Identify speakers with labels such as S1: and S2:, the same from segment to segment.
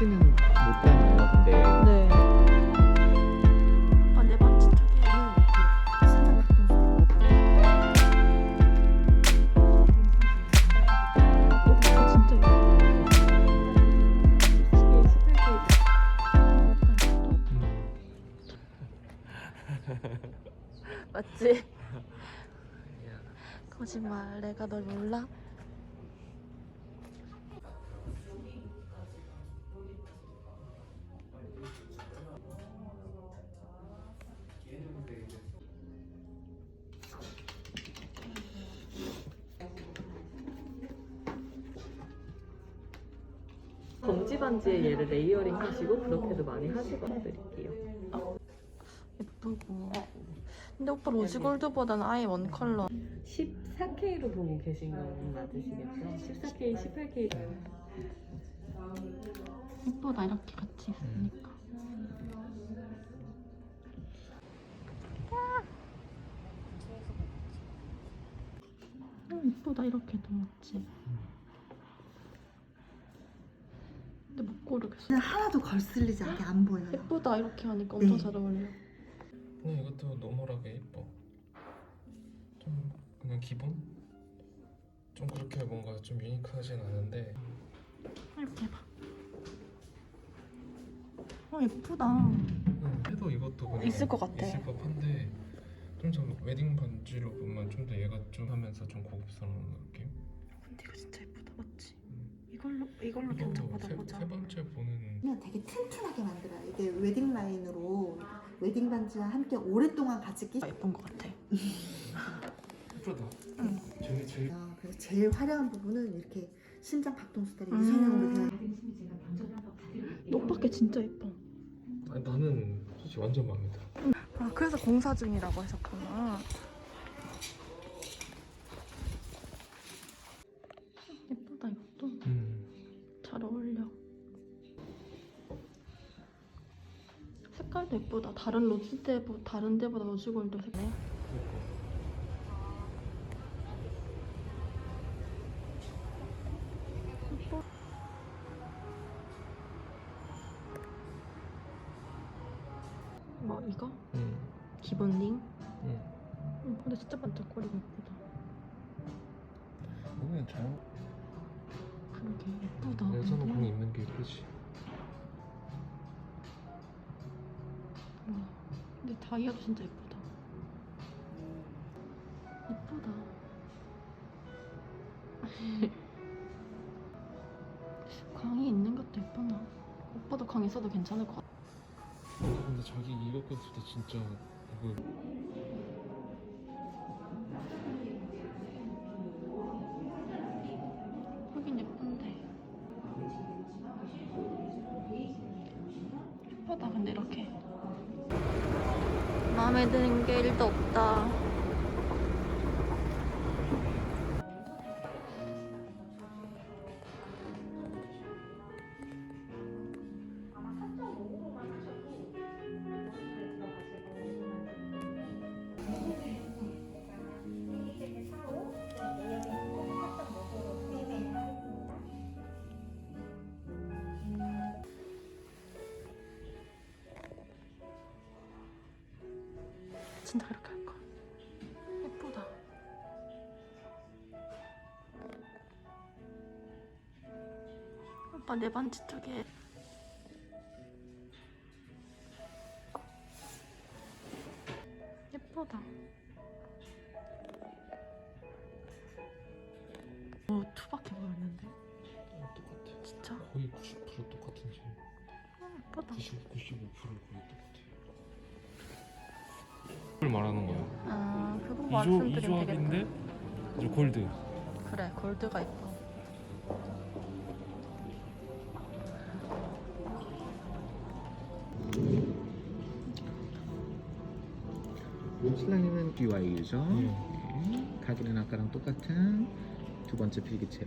S1: 크기는 못 닮아요. 근데
S2: 네. 아, 내 반지 쪽에는 신장 박동수. 진짜 맞지? 거짓말. 내가 널 몰라?
S3: 검지 반지에 얘를 레이어링 하시고 그렇게도 많이 하시거나 드릴게요.
S2: 예쁘고. 근데 오빠 로즈골드보다는 아예 원 컬러.
S3: 14K로 보고 계신 건 맞으시겠죠? 14K, 18K.
S2: 예쁘다 이렇게 같이 있으니까. 예쁘다 이렇게 넣었지. 근데 못 고르겠어.
S4: 그냥 하나도 걸슬리지 않게 안 보여요.
S2: 예쁘다 이렇게 하니까 엄청
S4: 네.
S2: 잘 어울려.
S5: 그냥 이것도 노멀하게 예뻐. 좀 그냥 기본? 좀 그렇게 뭔가 좀 유니크하진 않은데
S2: 이렇게 해봐. 예쁘다.
S5: 해도 이것도 그냥
S2: 있을 것 같아.
S5: 있을 법한데 좀 웨딩 반지로 보면 좀 더 얘가 좀 하면서 좀 고급스러운 느낌?
S2: 근데 이거 진짜 예쁘다 맞지? 이걸로
S5: 이거
S2: 견적 받아보자.
S5: 세 번째 보는
S4: 그냥 되게 튼튼하게 만들어요. 이게 웨딩 라인으로 웨딩 반지와 함께 오랫동안 같이 끼.
S2: 예쁜 것 같아.
S5: 예쁘다.
S2: 응.
S5: 저게 제일
S4: 그래서 제일 화려한 부분은 이렇게 신장 박동수 딸이 유선형으로 되어.
S2: 오빠께 진짜 예뻐.
S5: 아니, 나는 솔직히 완전 마음에 들어.
S2: 아 그래서 공사 중이라고 하셨구나. 예쁘다 이것도. 잘 어울려. 색깔도 예쁘다. 다른 데보다 로즈골드 색깔. 예뻐. 뭐 이거? 기본 링? 근데 진짜 반짝거리고 예쁘다.
S5: 그냥 잘
S2: 그러게 예쁘다.
S5: 여자는
S2: 근데.
S5: 공 입는 게 예쁘지.
S2: 와, 근데 다이아도 진짜 예쁘다. 예쁘다. 광이 있는 것도 예쁘나? 오빠도 광 있어도 괜찮을 것 같아.
S5: 근데 자기 이거 꼈을 때 진짜 이거
S2: 하긴 예쁜데. 예쁘다 근데 이렇게. 마음에 드는 게 1도 없다. 진짜 이렇게 할까? 예쁘다. 오빠 내 반지 쪽에 예쁘다. 투박해 보였는데
S5: 똑같아.
S2: 진짜
S5: 거의 90% 똑같은지
S2: 예쁘다.
S5: 95% 거의 똑같아. 이걸 말하는 거야.
S2: 아 그거
S5: 이
S2: 말씀드리면
S5: 조합인데
S2: 되겠다.
S5: 이제 골드.
S2: 그래 골드가 예뻐.
S1: 신랑님은 BYU죠. 네. 가기는 아까랑 똑같은 두 번째 필기체로.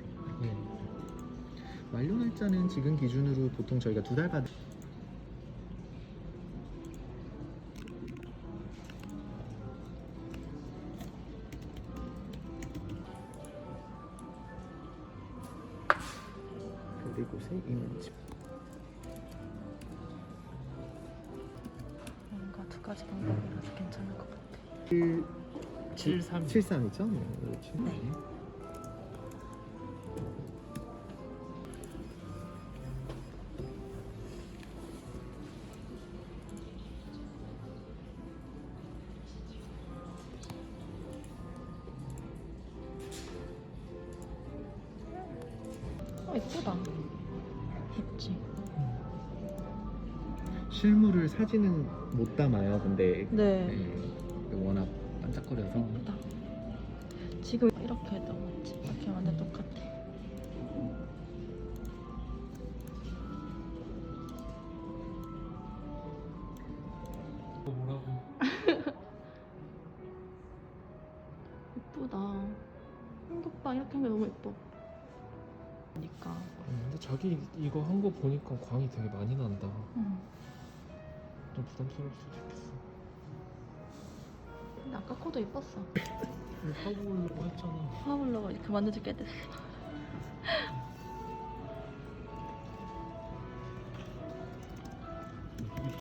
S1: 완료 날짜는 지금 기준으로 보통 저희가 2달 받. 그리고 새 이면집.
S2: 가지 방법이라서 괜찮을 것 같아.
S5: 73.
S1: 73이죠?
S2: 네. 예쁘다. 예쁘지?
S1: 실물을 사진은 못 담아요. 근데
S2: 네.
S1: 워낙 반짝거려서
S2: 예쁘다. 지금 이렇게 해도 맞지? 이렇게 완전 똑같아.
S5: 뭐라고?
S2: 예쁘다. 한국방 이렇게 한 게 너무 예뻐. 그러니까.
S5: 근데 자기 이거 한 거 보니까 광이 되게 많이 난다. 좀 부담스러울 수도 있겠어.
S2: 근데 아까 코도 예뻤어.
S5: 하고 오려고 했잖아.
S2: 화물로 이렇게 만들지 꽤 됐어.